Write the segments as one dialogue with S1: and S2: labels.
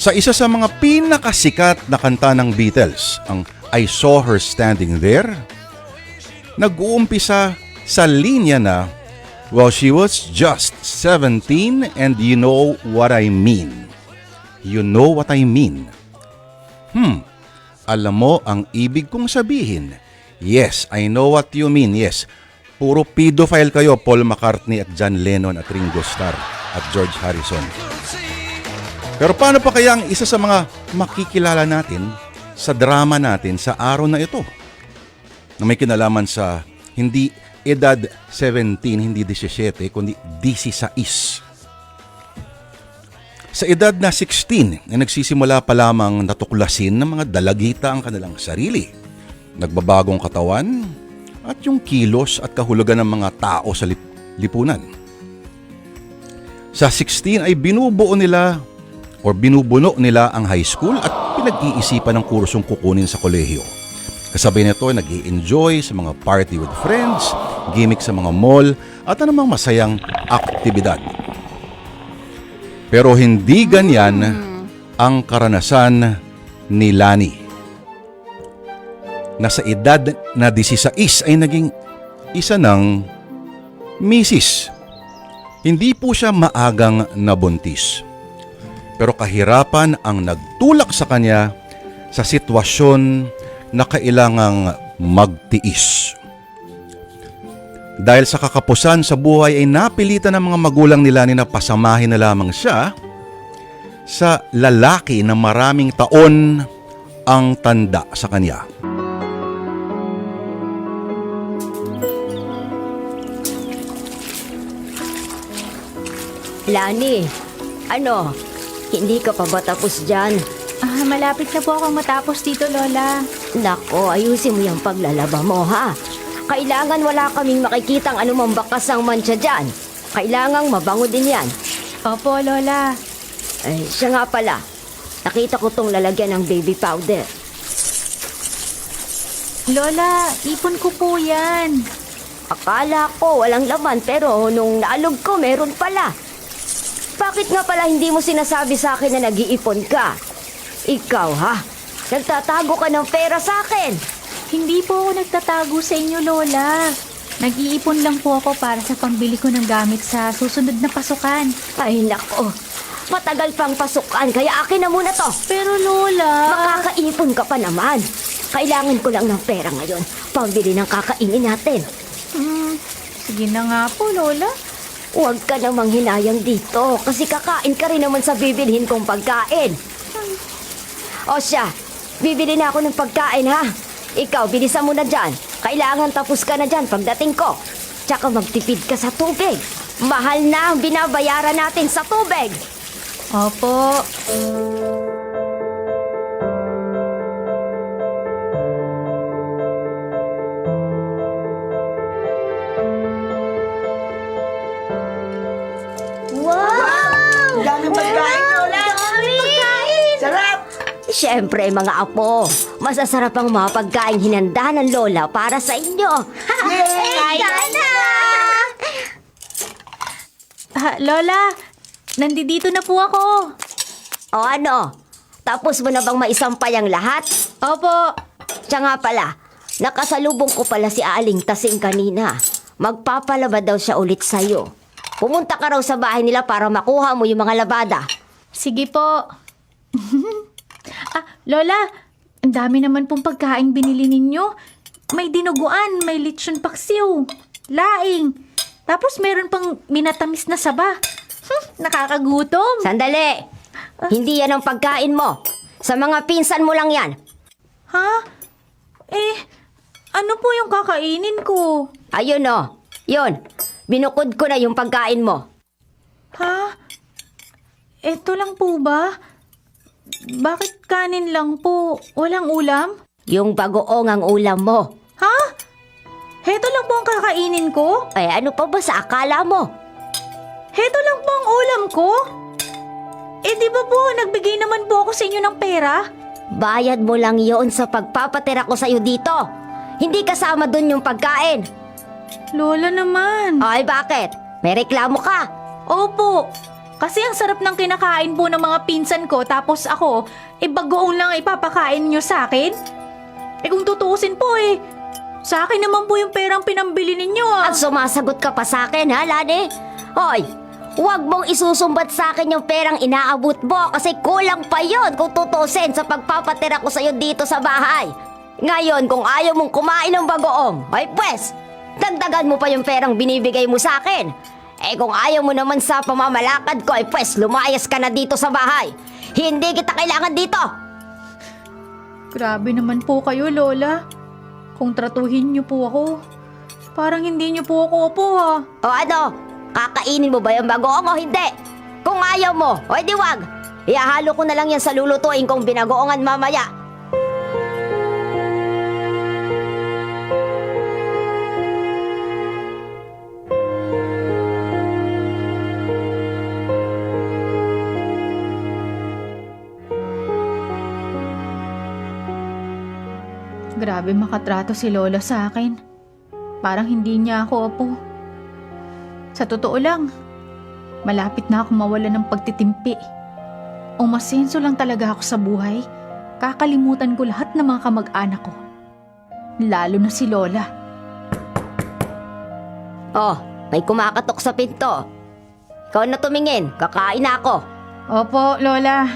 S1: Sa isa sa mga pinakasikat na kanta ng Beatles, ang I Saw Her Standing There, nag-uumpisa sa linya na, well, she was just 17 and you know what I mean. You know what I mean. Alam mo ang ibig kong sabihin. Yes, I know what you mean. Yes, puro pedophile kayo, Paul McCartney at John Lennon at Ringo Starr at George Harrison. Pero paano pa kaya ang isa sa mga makikilala natin sa drama natin sa araw na ito? Na may kinalaman sa hindi edad 17, hindi 17, kundi 16. Sa edad na 16, ay nagsisimula pa lamang natuklasin ng mga dalagita ang kanilang sarili. Nagbabagong katawan at yung kilos at kahulugan ng mga tao sa lipunan. Sa 16 ay binubuno nila ang high school at pinag-iisipan ng kursong kukunin sa kolehiyo. Kasabay nito ay nag-i-enjoy sa mga party with friends, gimmick sa mga mall at anumang masayang aktibidad. Pero hindi ganyan ang karanasan ni Lani. Na sa edad na 16 ay naging isa ng misis. Hindi po siya maagang nabuntis. Pero kahirapan ang nagtulak sa kanya sa sitwasyon na kailangang magtiis. Dahil sa kakapusan sa buhay ay napilitan ng mga magulang nila na pasamahin na lamang siya sa lalaki na maraming taon ang tanda sa kanya.
S2: Lani, hindi ka pa ba tapos dyan?
S3: Malapit na po akong matapos dito, Lola.
S2: Nako, ayusin mo yung paglalaba mo, ha? Kailangan wala kaming makikitang anumang bakasang mantsa dyan. Kailangang mabango din yan.
S3: Opo, Lola.
S2: Ay, siya nga pala. Nakita ko tong lalagyan ng baby powder.
S3: Lola, ipon ko po yan.
S2: Akala ko walang laman pero nung naalog ko meron pala. Bakit nga pala hindi mo sinasabi sa akin na nag-iipon ka? Ikaw, ha? Nagtatago ka ng pera sa akin.
S3: Hindi po ako nagtatago sa inyo, Lola. Nag-iipon lang po ako para sa pambili ko ng gamit sa susunod na pasukan.
S2: Ay, nako. Matagal pang pasukan, kaya akin na muna to.
S3: Pero, Lola...
S2: Makakaipon ka pa naman. Kailangan ko lang ng pera ngayon. Pambili ng kakainin natin.
S3: Sige na nga po, Lola.
S2: Huwag ka namang hinayang dito kasi kakain ka rin naman sa bibilhin kong pagkain. O siya, bibili na ako ng pagkain, ha? Ikaw, bilisan mo na dyan. Kailangan tapos ka na dyan pagdating ko. Tsaka magtipid ka sa tubig. Mahal na ang binabayaran natin sa tubig.
S3: Opo.
S2: Wow!
S4: Daming pagkain, Lola!
S2: Pagkain!
S4: Sarap!
S2: Siyempre, mga apo, masasarap ang mga pagkain hinanda ng Lola para sa inyo.
S4: Yay!
S2: Sana!
S3: Lola, nandito na po ako.
S2: O ano? Tapos mo na bang maisampay ang lahat?
S3: Opo.
S2: Siya nga pala, nakasalubong ko pala si Aling Tasing kanina. Magpapalaba daw siya ulit sa'yo. Pumunta ka raw sa bahay nila para makuha mo yung mga labada.
S3: Sige po. Lola, ang dami naman pong pagkain binili ninyo. May dinuguan, may lechon paksiw, laing. Tapos meron pang minatamis na saba. Nakakagutom.
S2: Sandali! Hindi yan ang pagkain mo. Sa mga pinsan mo lang yan.
S3: Ha? Ano po yung kakainin ko?
S2: Ayun o. Yun. Binukod ko na yung pagkain mo.
S3: Ha? Eto lang po ba? Bakit kanin lang po? Walang ulam?
S2: Yung bagoong ang ulam mo.
S3: Ha? Heto lang po ang kakainin ko?
S2: Eh, ano pa ba sa akala mo?
S3: Heto lang po ang ulam ko? Di ba po, nagbigay naman po ako sa inyo ng pera?
S2: Bayad mo lang yon sa pagpapatira ko sa'yo dito. Hindi kasama dun yung pagkain.
S3: Lola naman.
S2: Ay, bakit? May reklamo ka.
S3: Opo, Kasi ang sarap ng kinakain po ng mga pinsan ko tapos ako, bagoong lang ipapakain nyo sa akin? Kung tutuusin po sa akin naman po yung perang pinambili ninyo
S2: At sumasagot ka pa sa akin, ha, Lani? Hoy, huwag mong isusumbat sa akin yung perang inaabot mo kasi kulang pa yon kung tutusin sa pagpapatira ko sa'yo dito sa bahay. Ngayon, kung ayaw mong kumain ng bagoong, ay pwes, dagdagan mo pa yung perang binibigay mo sa akin. Kung ayaw mo naman sa pamamalakad ko, ay pwes, lumayas ka na dito sa bahay. Hindi kita kailangan dito.
S3: Grabe naman po kayo, Lola. Kung tratuhin niyo po ako, parang hindi niyo po ako opo ha.
S2: O ano, kakainin mo ba yung bagoong o hindi? Kung ayaw mo, o di wag. Ihahalo ko na lang yan sa lulutuin kong binagoongan mamaya.
S3: Grabe makatrato si Lola sa akin. Parang hindi niya ako opo. Sa totoo lang, malapit na ako mawala ng pagtitimpi. Umasenso lang talaga ako sa buhay. Kakalimutan ko lahat ng mga kamag-anak ko. Lalo na si Lola.
S2: Oh, may kumakatok sa pinto. Ikaw na tumingin, kakain na ako.
S3: Opo, Lola.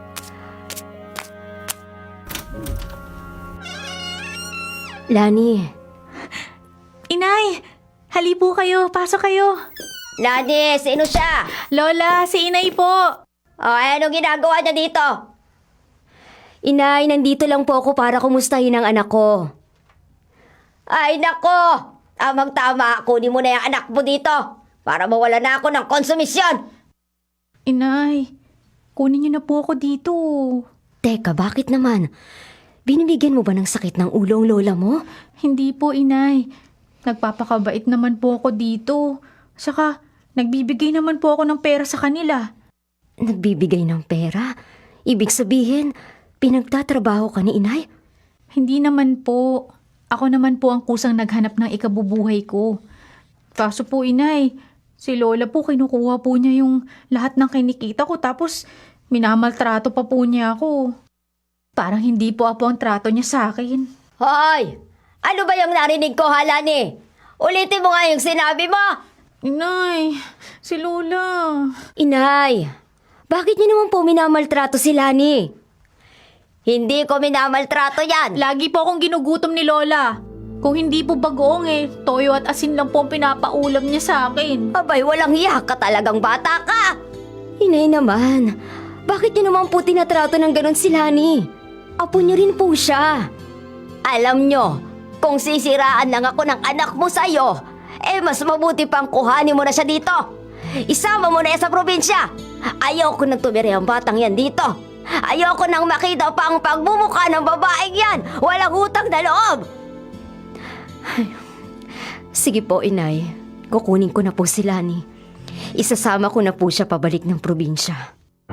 S2: Lani.
S3: Inay, hali po kayo. Pasok kayo.
S2: Lani, sino siya?
S3: Lola, si Inay po.
S2: Oh, anong ginagawa niya dito? Inay, nandito lang po ako para kumustahin ang anak ko. Ay, nako! Tamang-tama, kunin mo na yung anak mo dito para mawala na ako ng konsumisyon.
S3: Inay, kunin niyo na po ako dito.
S2: Teka, bakit naman? Binibigyan mo ba ng sakit ng ulo ang lola mo?
S3: Hindi po, Inay. Nagpapakabait naman po ako dito. Saka, nagbibigay naman po ako ng pera sa kanila.
S2: Nagbibigay ng pera? Ibig sabihin, pinagtatrabaho ka ni inay?
S3: Hindi naman po. Ako naman po ang kusang naghanap ng ikabubuhay ko. Kaso po, Inay, si Lola po kinukuha po niya yung lahat ng kinikita ko tapos minamaltrato pa po niya ako. Parang hindi po ako ang trato niya sa akin.
S2: Hoy! Ano ba yung narinig ko, Halani? Ulitin mo nga yung sinabi mo!
S3: Inay, si Lola.
S2: Inay, bakit niyo naman po minamaltrato si Lani? Hindi ko minamaltrato yan!
S3: Lagi po akong ginugutom ni Lola. Kung hindi po bagoong toyo at asin lang po ang pinapaulam niya sa akin.
S2: Abay, walang hiya ka talagang bata ka! Inay naman, bakit niyo naman po tinatrato ng ganon si Lani? Apo niyo rin po siya. Alam niyo, kung sisiraan lang ako ng anak mo sa'yo, mas mabuti pang kuhanin mo na siya dito. Isama mo na yan sa probinsya. Ayoko nang tumira ang batang yan dito. Ayoko nang makita pa ang pagmumukha ng babaeng yan. Walang utang na loob. Ay, sige po, inay. Kukunin ko na po si Lani. Isasama ko na po siya pabalik ng probinsya.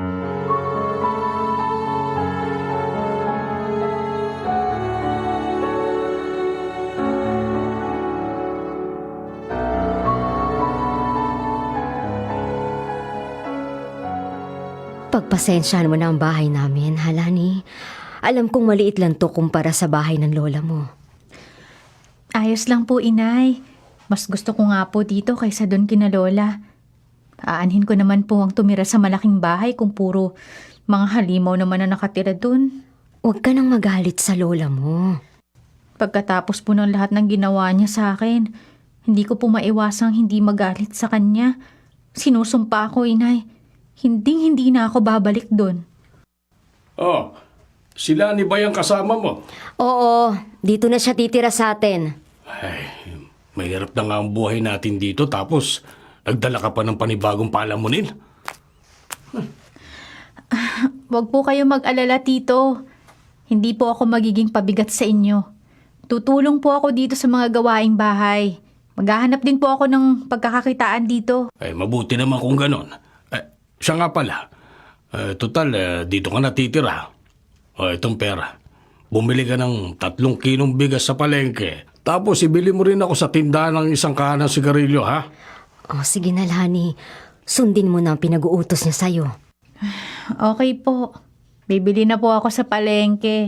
S2: Pagpasensyahan mo na ang bahay namin, Halani. Alam kong maliit lang to kumpara sa bahay ng lola mo.
S3: Ayos lang po, Inay. Mas gusto ko nga po dito kaysa doon kina Lola. Aanhin ko naman po ang tumira sa malaking bahay kung puro mga halimaw naman na nakatira doon.
S2: Huwag ka nang magalit sa lola mo.
S3: Pagkatapos po ng lahat ng ginawa niya sa akin, hindi ko po maiwasang hindi magalit sa kanya. Sinusumpa ako, Inay. Hindi na ako babalik doon.
S5: Oh, sila ni ba yung kasama mo?
S2: Oo, dito na siya titira sa atin.
S5: Ay, mahirap na nga ang buhay natin dito tapos nagdala ka pa ng panibagong palamunin.
S3: Huwag po kayo mag-alala, Tito. Hindi po ako magiging pabigat sa inyo. Tutulong po ako dito sa mga gawaing bahay. Maghahanap din po ako ng pagkakakitaan dito.
S5: Ay, mabuti naman kung ganon. Siya nga pala. Total, dito ka natitira. Itong pera. Bumili ka ng 3 kilong bigas sa palengke. Tapos ibili mo rin ako sa tindahan ng isang kahan ng sigarilyo, ha?
S2: Oh, sige na, Lani. Sundin mo na ang pinag-uutos niya sa'yo.
S3: Okay po. Bibili na po ako sa palengke.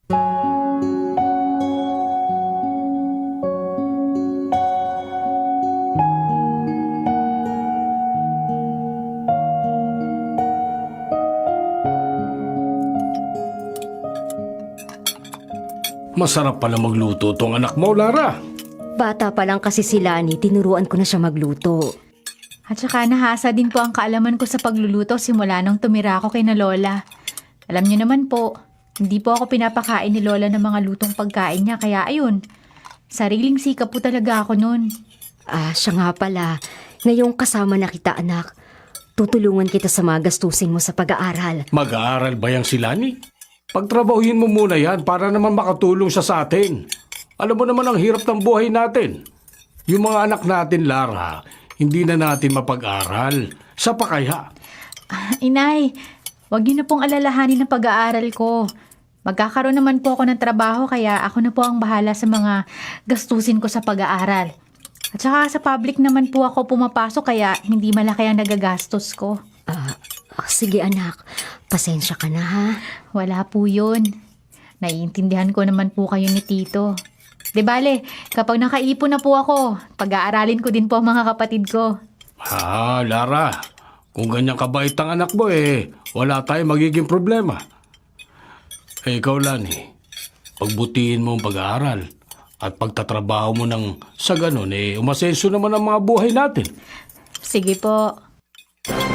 S5: Masarap pala magluto tong anak mo, Lara.
S2: Bata pa lang kasi si Lani, tinuruan ko na siya magluto.
S3: At saka nahasa din po ang kaalaman ko sa pagluluto simula nung tumira ako kay na Lola. Alam niyo naman po, hindi po ako pinapakain ni Lola ng mga lutong pagkain niya, kaya ayun, sariling sikap po talaga ako nun.
S2: Siya nga pala. Ngayong kasama na kita, anak. Tutulungan kita sa mga gastusin mo sa pag-aaral.
S5: Mag-aaral ba yang si Lani? Pagtrabahuhin mo muna yan para naman makatulong siya sa atin. Alam mo naman ang hirap ng buhay natin. Yung mga anak natin, Lara, hindi na natin mapag-aral. Sa pa kaya?
S3: Inay, wag niyo na pong alalahanin ang pag-aaral ko. Magkakaroon naman po ako ng trabaho kaya ako na po ang bahala sa mga gastusin ko sa pag-aaral. At saka sa public naman po ako pumapasok kaya hindi malaki ang nagagastos ko.
S2: Sige anak, pasensya ka na ha.
S3: Wala po yun. Naiintindihan ko naman po kayo ni Tito. Di bale, kapag nakaipon na po ako, pag-aaralin ko din po ang mga kapatid ko.
S5: Lara, kung ganyan kabait ang anak mo wala tayong magiging problema. Ikaw, Lani, pagbutihin mo ang pag-aaral at pagtatrabaho mo ng sa ganun, umasenso naman ang mga buhay natin.
S3: Sige po.